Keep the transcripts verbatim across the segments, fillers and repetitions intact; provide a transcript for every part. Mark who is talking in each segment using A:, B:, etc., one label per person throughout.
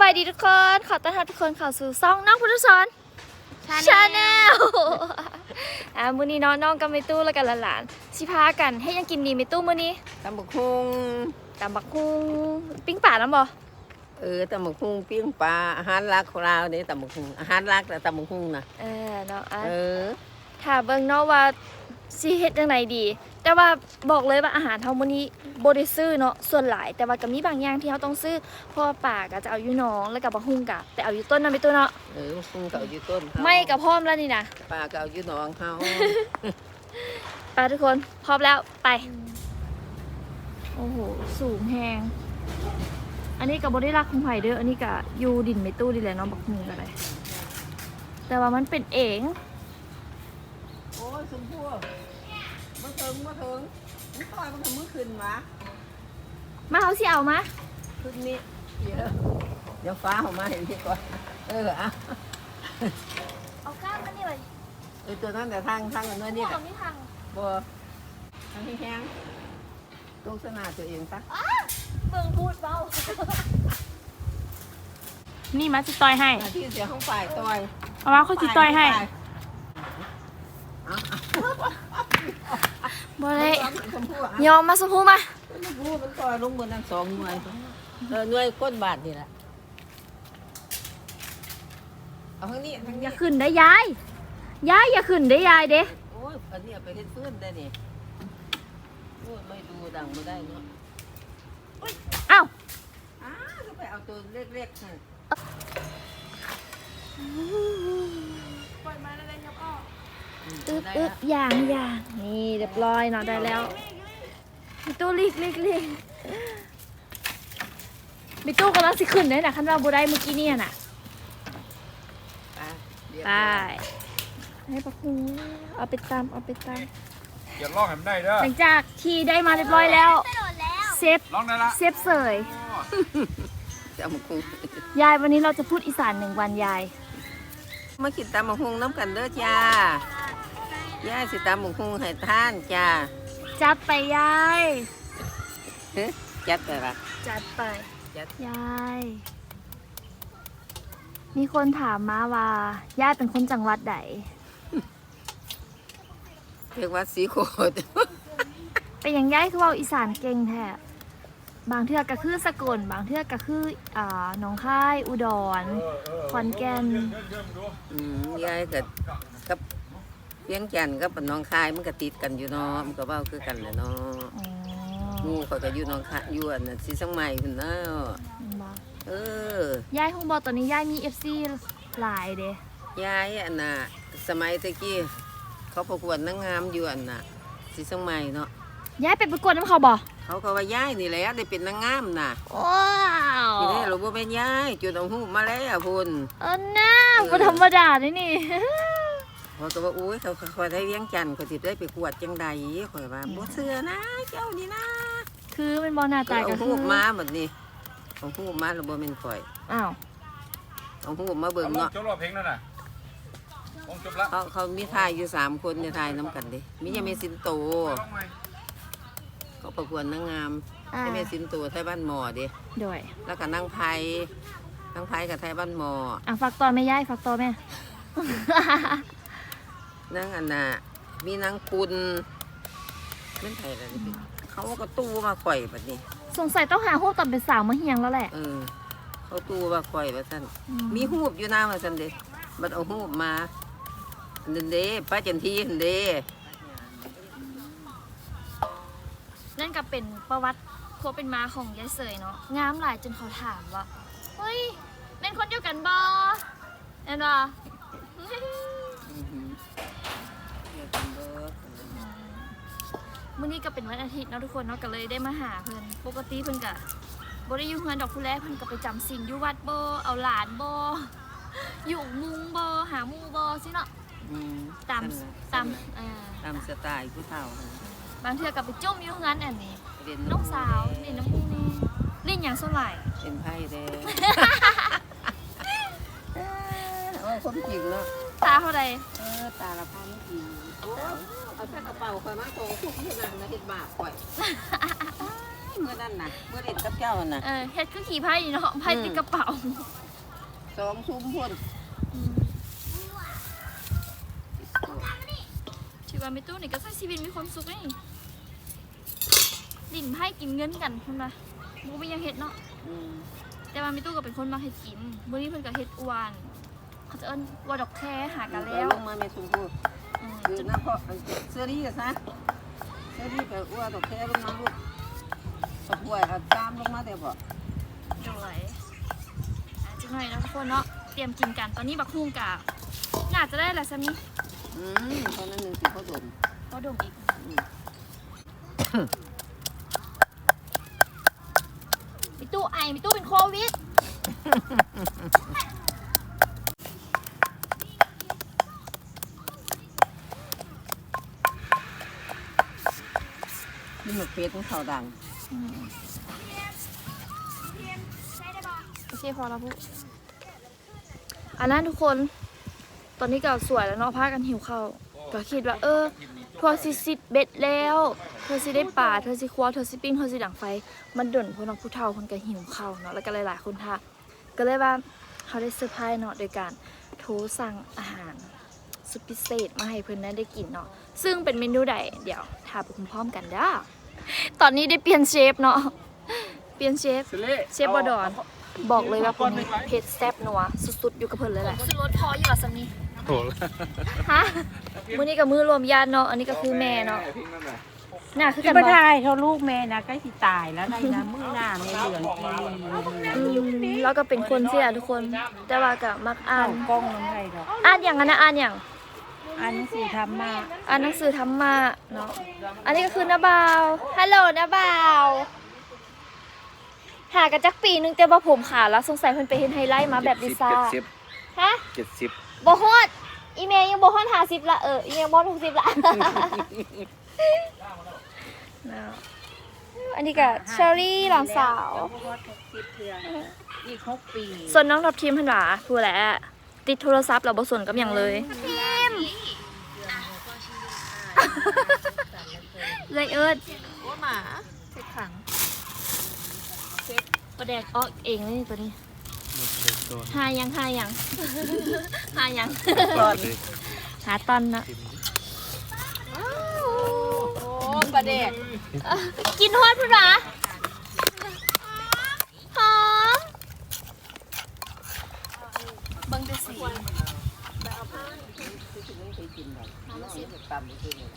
A: ายดีทุกคนขอต้อนรับทุกคนเข้าสู่ซ่องน้องพุทธสอนชาแนลอ่ามื้อนี้น้องน้องกับเมตู้แล้วกันหลานๆสิพากันให้ยังกินดีเมตู้มื้อนี้
B: ตำบักหุ่ง
A: ตำบักหุ่งปิ้งป่าน้ำบ่
B: เออตำบักหุ่งปิ้งปลาอาหารหลักของเราเนี่ยตำบักหุ่งอาหารหลักแต่ตำบักหุ่งนะ
A: เออเนาะอ่ะ
B: เออ
A: ถ้าเบิ่งเนาะว่าสิเฮ็ดจังไดดี แต่ว่าบอกเลยว่าอาหารเฮามื้อนี้บ่ได้ซื้อเนาะส่วนหลายแต่ว่าก็มีบางอย่างที่เฮาต้องซื้อเพราะว่าป่าก็จะเอาอยู่หนองแล้วก็บักหุ่งก็แต่เอาอยู่ต้นนำไปตู้เนาะ
B: เออบักหุ่งเก่าอยู่ต้นเขา
A: ไม่ก็พร้อมแล้วนี่นะ
B: ปลาเก่าอยู่หนองเขา
A: ไปทุกคนพร้อมแล้วไปโอ้โหสูงแฮงอันนี้กับบริรักของไผ่เด้ออันนี้กับยูดินไม่ตู้ดิแหละเน้องบักมืออะไรแต่ว่ามันเป็นเอง
B: โอ้ยสมพู่มาถึงมาถึงมึงต่อยมันทำมือขึ้นวะ
A: มาเอาสิเอามา
B: ขึ้นนี่เดี๋ยวเดี๋ยวฟ้าออกมาเห็นพี่ก่อนเอออ่ะ
A: เอาก้านมันนี่เลย
B: เออตัวนั้นแต่ทางทางอันนั้น
A: พ
B: นี่
A: วก
B: แหละ
A: เราไม่พัง
B: บัวทางที่แห้งตรงสนาตัวเองปะ
A: อ้าเบิ่งพูดเบา
C: นี่มาจิต่อยให้
B: ที่เสียของฝ่ายต่อย
C: เอาว่าเขาจิต่อยให้
A: บ่ได้
B: ชมพู่อ่ะ
A: ยอมมาสมพูมา
B: ชมพู่มันต่อยลงบนทั้งสองหน่วยเออหน่วยก้นบาทนี่แหละเอาทางนี้ทาง
A: อ
B: นี้
A: ย่าขึ้นได้ยายยายอย่าขึ้นได้ยายเด้
B: โอ้ยอันนี้เอาไปเฮ็ดฟื้นได้นี่โอ้ยไม่ดูดังไม่ได้เนาะ
A: เอ้า
B: อ้าก็ไปเอาตัวเล็กๆให้
A: อึบอึบอย่างอย่างนี่เรียบร้อยเนาะได้แล้วมีตู้ลีกลีกลีกมีตู้กำลังสิขึ้นเลยนะคันว่าบูได้เมื่อกี้เนี่ยน่ะ
B: ไปเดี๋ยว
A: ไปให้ปักหูเอาไปตามเอาไปตาม
D: อย่าลอกให้มันได้เด้อ
A: หลังจากที่ได้มาเรียบร้อยแล้วเซฟ
D: ลอกได้ละ
A: เซฟเสย
B: จะเอามาคุง
A: ยายวันนี้เราจะพูดอีสานหนึ่งวันยาย
B: มาคิดตามมาคุงน้ำกันเด้อจ้าย่าสิตามมาคุงให้ท่านจ้า
A: จัดไปยาย
B: เฮ้ยจัดไปละ
A: จัดไป
B: จัด
A: ยายมีคนถามมาว่ายายเป็นคนจังหวัดใด
B: เรียกว่าสีโคตร
A: เป็นอย่างยายคือเว่าอีสานเก่งแท้บางเทือกก็คือสกลบางเทือกก็คืออ่าหนองคายอุดรขอนแก่น
B: อืมยายกับกับเพียงจันทร์กับน้องคายมันก็ติดกันอยู่เนาะมันก็เว้าคือกันแหละเนาะ
A: อ๋อ
B: หมู่เขาก็อยู่น้องคายอยู่อันนั้นสิสังใหม่พุ่นเนาะ
A: บ่
B: เออย
A: ายคงบอกตอนนี้ยายมี เอฟ ซี หลายเด้
B: ยายอันน่ะสมัยตะกี้เขาประกวดนางงามอยู่อันน่ะสิสังใหม่เนาะ
A: ยายไปประกวดน้ำเขาบ่
B: เขาก็ว่ายายนี่แหละได้เป็นนางงามน่ะ
A: ว้าว
B: ทีนี้เราบ่เป็นยายจุดเอาหูมาแล้วพุ่น
A: เออน้าบ่ธรรมดาเลยนี่
B: เขาก็ว่าอุ้ยเขาเขาได้เวียงจันทน์เขาสิได้ไปกวดจังใดข่อยว่าบ่เชื่อนะเจ้านี่นะ
A: คือเป็นบอลหน้าตา
B: เอา
A: ก็
B: หู
A: คือ
B: มาแบบนี้เอาหูมาแล้วบ่แม่นข่อย
A: อ้าว
B: เอาหูมาเบิ่ง
D: เอาลอง
B: เนาะ
D: จบรอบเพลงนั่นน่ะลองจบละ
B: เขาเขามีทายอยู่สามคนเนี่ยทายน้ำกันเด้มียังมีสินโต
D: ลองใหม่
B: เขาประกวดนางงาม
A: อ่า
B: ยังมีสินโตไทยบ้านหมอเด้
A: ด้วย
B: แล้วก็นางไผนางไผกับไทยบ้านหมอ
A: อ่ะฝากต่อแม่ยายฝากต่อแม่
B: นางอันน่ะมีนางคุณแม่นไผล่ะนี่เขาก็ตู้มาข่อยแบบนี้
A: สงสัยต้องหาหูปตอนเป็นสาวมาเฮียงแล้วแหละ
B: เออเขาตู้มาข่อยว่าซั่น
A: อื
B: มีหูบอยู่หน้ามาซั่นเด้บัดเอาหูบมาอันนั้นเด้ป้าจันทีอันเด้
A: นั่นก็เป็นประวัติโคเป็นมาของยายเสยเนาะงามหลายจนเขาถามว่าเฮ้ยเป็นคนเดียวกันบอเห็นปะ
B: อือหือเดี๋ยวกันเด้อ
A: มื้อนี้ก็เป็นวันอาทิตย์เนาะทุกคนเนาะก็เลยได้มาหาเพิ่นปกติเพิ่นก็บ่ได้อยู่เฮือนดอกผู้แลเพิ่นก็ไปจำศีลอยู่วัดบ่เอาหลานบ่อยู่มุงบ่หาหมู่บ่สิเนาะ
B: อืม
A: ตาม
B: นั่น
A: ตาม
B: ล่ะ
A: อ่า
B: ตามสไตล์ผู้เฒ่า
A: บางเทื่อก็ไปจุ่มอยู่เฮือนอันนี้
B: เรียน
A: น้องสาวเล่นน้ำมูกนี่เล่นหยังส่วนหลาย
B: เป็นไพ่เด้โอ้คนจริงเนาะ
A: ตาเท่าใด
B: เออตาละพันจริงโอ้เอาแต่กระเป๋าข่อยมาโตทุกเมื่อนั้นนะเฮ็ดบาปข่อยเมื่อนั้นน่ะเมื่อเล่นกับเจ้าน่ะ
A: เออเฮ็ดคือขี่ไพ่นี่เนาะไพ่ติดกระเป๋า
B: สองซุ้มพุ่น
A: ชีวิตไม่ตู้นี่ก็ใช้ชีวิตมีความสุขนี่ลิ้นไพ่กินเงินกันคุณนะบูไม่ยังเห็ดเนาะ
B: อืม
A: แต่ว่าไม่ตู้ก็เป็นคนมาเห็ดกินมื้อนี้เพิ่นก็เห็ดอวนเขาจะเอิ้นว่าดอกแคหากันแล้ว
B: ลงมาแม่ซุ้มพุ่น
A: อืม
B: คือน้ำเพาะเสื้อดีกันซะเสื้อดีกับอ้วนตกแค่ลงมาลูกตกป่วยกับตามลงมาเดี๋ยวบ่
A: ด้วยอ่ะจังหน่อยนะทุกคนเนาะเตรียมกินกันตอนนี้บักฮุ่งกะน่าจะได้แหละซะนี่
B: อืมตอนนั้นหนึ่งสิเขาดม
A: ก็ดมอีกมีตู้ไอมีตู้เป็นโควิด
B: นี่หมึกเป็ดของเขาดัง
A: โอเคพอแล้วพุอันนั้นทุกคน ตอนนี้ก็สวยแล้วเนาะพากันหิวข้าวก็คิดว่า เออทัวซิซิดเบ็ดแล้วเธอสิได้ป่าเธอสิครัวเธอสิปิ้งเธอสิดังไฟ มันด่นพวกน้องผู้เฒ่าคนก็หิวข้าวเนาะแล้วก็หลายๆคนท่าก็เลยว่าเขาได้เซอร์ไพรส์เนาะโดยการโทรสั่งอาหารสุดพิเศษมาให้เพื่อนได้กินเนาะซึ่งเป็นเมนูใดเดี๋ยวทาไปพร้อมๆกันเด้อตอนนี้ได้เปลี่ยนเชฟเนาะเปลี่ยนเชฟ เชฟบอดอนบอกเลยว่าคนนี้เผ็ดแซ่บนัวสุดๆอยู่กับเพิ่นเลยแหละสุดรสพออยู่กับซัมนี่
D: โอ้
A: ฮะมื้อนี้กับมื้อรวมญาติเนาะอันนี้ก็คือแม่เนาะน่าคือกัน
C: บ่
A: บ่
C: ทายเขาลูกแม่นะใกล้สิตายแล้วได้นะมื้อหน้าแม่เหลืองกี
A: อืมแล้วก็เป็นคนเสียทุกคน แต่ว่าก็มักอ่า
C: เข้าน กล้องน้ำไทยดอก
A: อ่านอย่างนั้นนะอ่านอย่าง
C: อันนี้สิทำมา
A: อ่านหนังสือธรรมะเนาะอันนี้ก็คือน้าบ่าวฮัลโหลน้าบ่าวหากันจักปีนึงแต่ว่าผมขาดแล้วสงสัยเพิ่นไปเฮ็ดไฮไลท์มาแบบลิซ่าฮะ
D: เจ็ดสิบ
A: บ่ฮอดอีเมลยังบ่ฮอดห้าสิบละเอออีเมลบ่ฮอดหกสิบละ อันนี้ก็เชอรี่หลานสาว
C: อีกหกปี
A: ส่วนน้องทับทีมเพิ่นหว่าผู้แหละติดโทรศัพท์เราบ่สนกับหยังเลยทีมเลยเอิ้น
C: ว่าหมาเจ็ดขัง
A: ประแดกออกเองเลยนี่ตัวนี้หายังหายัง หายัง
B: ก่อน
A: หาตอนนะ
C: โอ้ประเด็ก
A: กินฮอดพุ่นหรอหอมเบิ่งดูสิ
B: ตำคือนี่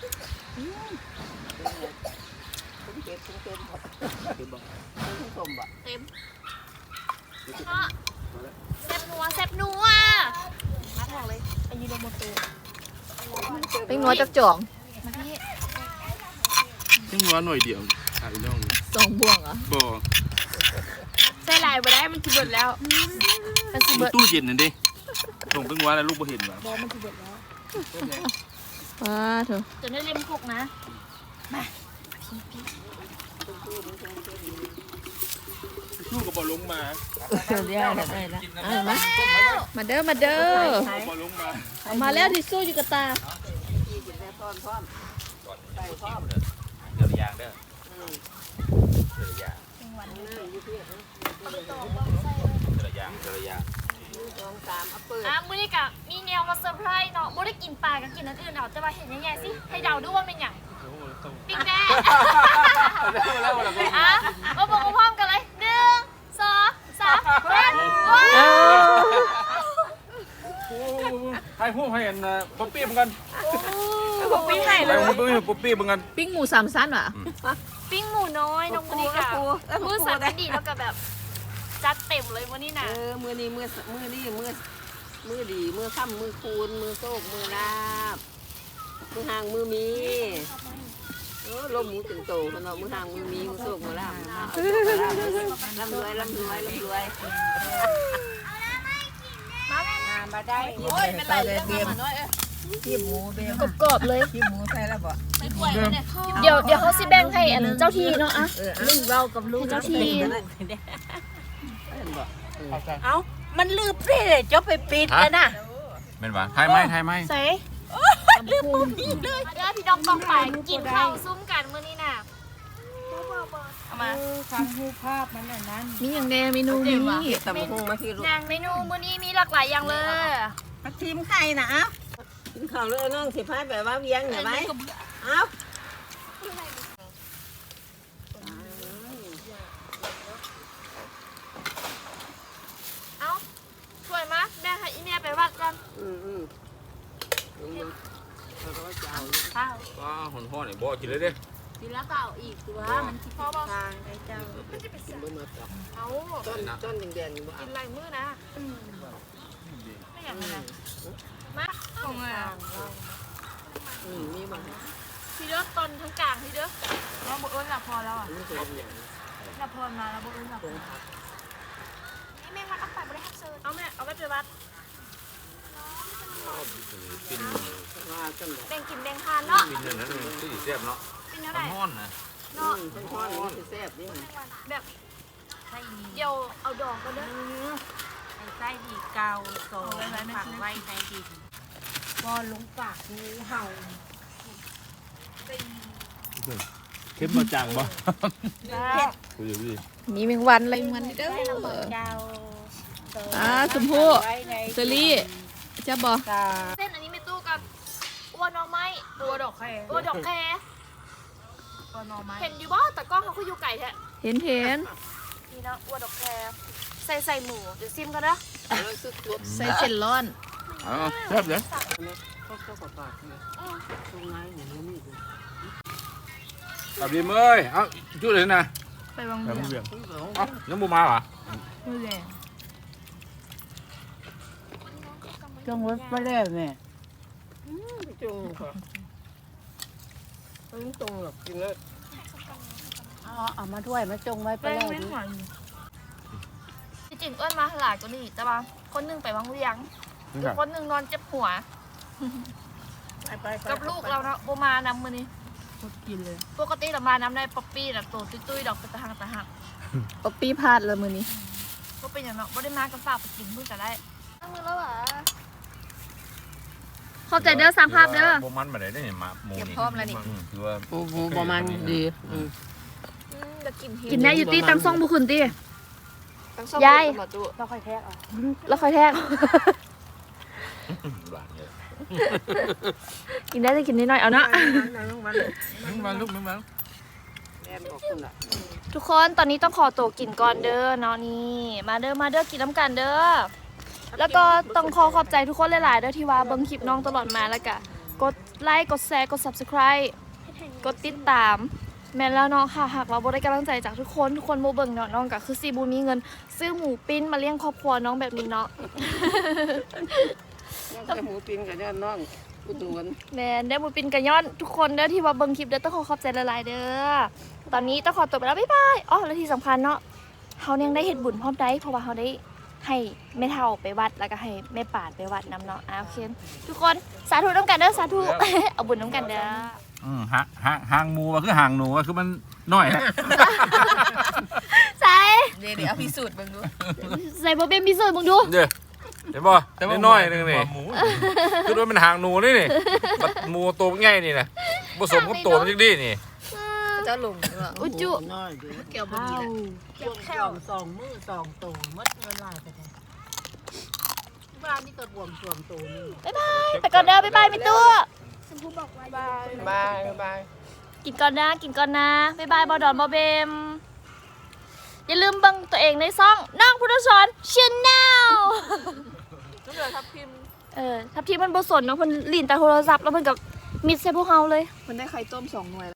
B: คุ้มเป็ดคุ้มเป็ดบ่คุ้มสมบ่
A: เต็มเพราะแซ่บนัวแซ่บนัวมาบอกเลยไปยืนในโมโตเป็นนัวจักจ่องมาพี่
E: ยังร้อนหน่อยเดียวถ่ายน้อง
A: สองบ่วงเหรอ
E: บ่
C: ใส่ลายบ่ได้มันสิเบิดแล้ว
A: มันสิ
E: มัน
A: เบิด
E: ตู้เย็นนั่นดิส่งเพิ่งว่าแล้วลูกบ่เห็นว่ะ
A: บอมันสิเบิดแล้ว
C: ว้าเถอะ
A: จนได้เล่มคกนะ
E: ลูกก็บ่ลงมา
C: เดี๋ยวได้แล้วได้แล้ว
A: เอามา
C: มาเด้อมาเด้อ
E: บ่ลงมา
C: เอามาแล้วทิชชู่อยู่กับตา
D: เดี๋ยวยางเด้อเดี๋ยวยางเดี๋ยวยางเดี๋ยวยาง
A: อ่ะมื้อนี้กะมีแนวมาเซอร์ไพรส์เนาะบ่ได้กินปลาก็กินอันอื่นเอาแต่ว่าเห็นยังไงสิให้เดาดูว่าเป็นหยังปิ๊กแน่อ่ะมาบอกพร้อมกันเลยหนึ่งสองสามเริ่มว้าว
D: ให้พูดให้อันป๊อปปี้เหมือนกัน
C: ผมปิ้งให้
D: ให้
C: เลย
D: พูดป๊อปปี้เหมือนกัน
C: ปิ้งหมูสามชั้นว่ะ
A: ปิ้งหมูน้อยน้องมื้อนี้กะมือสั่นดีแล้วก็แบบจัดเต็มเลยมื้อนี้
B: เอ
A: น่ะ
B: อมือนี้มือมือนี้มือมือดีมือค่ำมือคูณมือโซกมือลาบมือห่างมือมีเออลมหมูถึงโตคนเนาะมือห่างมือมีมือโซกมือลาบลำรวยลำรวยลำรวย
A: มาแม่
C: มาได้โอ้ยเป็นไรเรื่องมันน้อยเอ้ย
B: ขี้หมูเบม
A: กรอบๆเลย
B: ขี้หมูใส่แล้วบ่
A: เดี๋ยวเดี๋ยวเขาสิแบ่งให้อันเจ้าที่เนาะอะ
B: เออ
C: ลุงเรากับลุง
A: เจ้าที่
C: เอ้ามันลืมเลยเจ้าไปปิดแล้วนะ
D: เป็นวะไทยไหมไทยไหม
A: ใส่ลืมปุ๊บเลยมาเด้อพี่น้องกองไปกินข้าวซุ้มกันมื้อนี้น่ะเอามา
C: ฟังรูปภาพมันอันนั้น
A: มีอย่างแดงเมนูนี้
B: ตำหุ่งมาที่ลูก
A: อย่างเมนูมื้อนี้มีหลากหลายอย่างเลย
C: มาทีมไข่นะเอ้า
B: กินข้าวเลยน้องสิพายแบบว่าเวียงเห็นไหมเอ้า
A: เอ้าสวยมะแม่ให้อีเมียไปวัดกัน
B: อืมอืมลงมาเราก็จะเอา
C: ข้าว
D: ว้าหอนห่อนี่บ่กินเลยเด้
C: ทีละก็เอาอีกตัวมันคิด
A: พอบอก
C: ทางไอ้เจ้า
B: กินบะหมี่ตับ
A: เอา
B: ต้นต้นแดงๆบ่
A: กินไรมื้อนะไม่อย่างนั้นนะมาของอ่ะ
B: อืมมีบ้าง
A: ทีเด้อตอนทั้งกลางทีเด้อเราบุเอิญหลับพอแล้วอ่ะ
B: นี่คืออย่าง
A: หลับพอมาแล้วบุเอิญหลับพอนี่แม่พักเอาไปบริหารเซิร์เอาแม่เอาไปไปวัด
D: กิน
B: ว่าต้นแบบ
A: แบ่งกินแบ่งทานเนาะ
D: กินอย่างนั้นมันคือสิแซ่บเนาะ
A: เป็นเท่าไหร่
D: ฮ้อนนะ
B: อื
A: เนาะ
B: มต้นทอดนี่คือแซ่บนี่
A: แบบ
C: ไส้ดี
A: เดี๋ยวเอาดอกก็เด้อ
C: ไอ้ไส้ดีเกาโซฝังไว้ในดินบอลลงปากงูเห่า
E: เข้มมาจังบ่
A: เผ็ด
E: คุยดิ
A: มีแมงวันอะไรมันเด้อ
C: ไส้ระเบิดเกา
A: อ่าชมพู่
C: ไว้ใน
A: เซรี่จะบอก
C: กา
A: เส้นอันนี้ไม่ตู้กับอ้วนน้องไม้ตัวดอกแคตัวดอกแค
C: ตัวนอไม้
A: เห็นอยู่บ่แต่กล้องเขาคืออยู่ไก่แท้เห็นเห็นนี่นะอ้วนดอกแคใส่ใส่หมูเดี๋ยวซิมกันนะ
B: แล้วซึกรส
A: ใส่เส้นร้อน
E: อ๋อแซ่บเลย
B: ก็ก็กว่าปากเลยตรงไหนอย่างนี้นี่
D: กลับดีเอ้ยเอ้าจุดเลยนะ
A: ไปวาง
E: แบบ
A: เบีย
E: เบี่ย
A: ร์
E: ง
D: เอ้ายังบ่มาเหรอ
A: มือแรง
C: จงรถไปแล้วแม่
B: จุงค่ะไม่ตรงหรอกกินแล้ว
C: เอาเอามาด้วยมาจงไว้ไป
A: แป้ง
C: แล้ว
A: ไม่
C: ดิ
A: หวานจริงๆอ้วนมาหลายกว่านี้แต่ว่าคนหนึงไปวางเวียงอีกคนหนึงนอนเจ็บหัว
C: ไปไป
A: กับลูกเราเนาะโบมานำมือนี้
C: กินเลย
A: ปกติเรามานำได้ป๊อปปี้น่ะโตตุ้ยๆดอกตะหังตะหักป๊อปปี้พลาดเลยมือนี้ก็เป็นอย่างเนาะบ่ได้มากับฝากไปกินเพิ่งจะได้มือแล้วอ่ะขอบใจเด้อสร้างภาพเด้อ
D: บ่มันบ่ได้ได้มาหมูนี่
A: เก็บพร้อมแล้วนี่
D: มคือว่า
B: โอ้โหประมาณดีอืม
A: กินได้อยู่ตีตังซ่องบุคืนตียาย
C: เราค่อยแทกเอา
A: แล้วค่อยแทก
D: หวานเลย
A: กินได้จะกินนิดหน่อยเอาเนาะ
B: น้องมัน
E: มึงมาลูกมึงมา
B: แอนบอกคุณอ่ะ
A: ทุกคนตอนนี้ต้องขอตัวกินก่อนเด้อเนาะนี่ มาเด้อมาเด้อกินน้ำกันเด้อแล้วก็ต้องขอขอบใจทุกคนหลายๆเด้อที่ว่าเบิ่งคลิปน้องตลอดมาแล้วก็กดไลค์กดแชร์กด ซับสไครบ์ กดติดตาม แม่นแล้วเนาะค่ะหากเราบ่ได้กำลังใจจากทุกคนทุกคนบ่เบิ่งเนาะน้องก็คือสิบ่มีเงิน ซื้อหมูปิ้นมาเลี้ยงครอบครัวน้องแบบนี้เนาะ
B: น้องหมูปิ้งกับน้องอุดหนุน
A: แม่นได้หมูปิ้นกันย้อนทุกคนเด้อที่ว่าเบิ่งคลิปเด้อต้องขอขอบใจหลายๆเด้อตอนนี้ต้องขอตัวไปแล้วบ๊ายบายอ๋อและที่สำคัญเนาะเฮายังได้เฮ็ดบุญพร้อมได้เพราะว่าเฮาได้ให้แม่เฒ่าไปวัดแล้วก็ให้แม่ป่านไปวัดนํเนาะอ่าโอเคทุกคนสาธุนำกันเด้อสาธุ เอาบุญนำกันเด้อ
D: อืมหางหางหางหมูว่าคือหางหนูว่าคือมันน้อยนะ
A: ใส่
C: เดี๋ยวเอาพิสูจน์เบิ่งดู
A: ใส่บ่เป็นพิสูจน์มึงดู
D: เด้อเห็นบ่นิดน้อยนึงนี่
E: หมู
D: คือว่ามันหางหนูนี่นี่บัดหมูตัวใหญ่นี่นะผสมกับตัวมันจังดีนี่
C: เจ้าลุง
A: อุจจุ
B: น้อยดี
C: เกี่ยวบ่ดีแหละเกี่ยวแค่สองมือสองตัวมัดเวลาไปเลยบ้านนี่ก็บวมสวมตัวนี่
A: บ๊ายบายไปก่อนเด้อบ๊ายบายพี่ตัว
B: บายบาย
A: กินก่อนนะกินก่อนนะบ๊ายบายบอดอนบอเบมอย่าลืมเบังตัวเองในซ่องน้องพุทธสอนชแนล
C: ก็เหลือทับพิม
A: เออทับทีมันบสนเนาะเพิ่นลีนแต่โทรศัพท์แล้วเพิ่นกับมิดใส่พวกเฮาเลย
F: มันได้ไข่ต้มสองหน่วย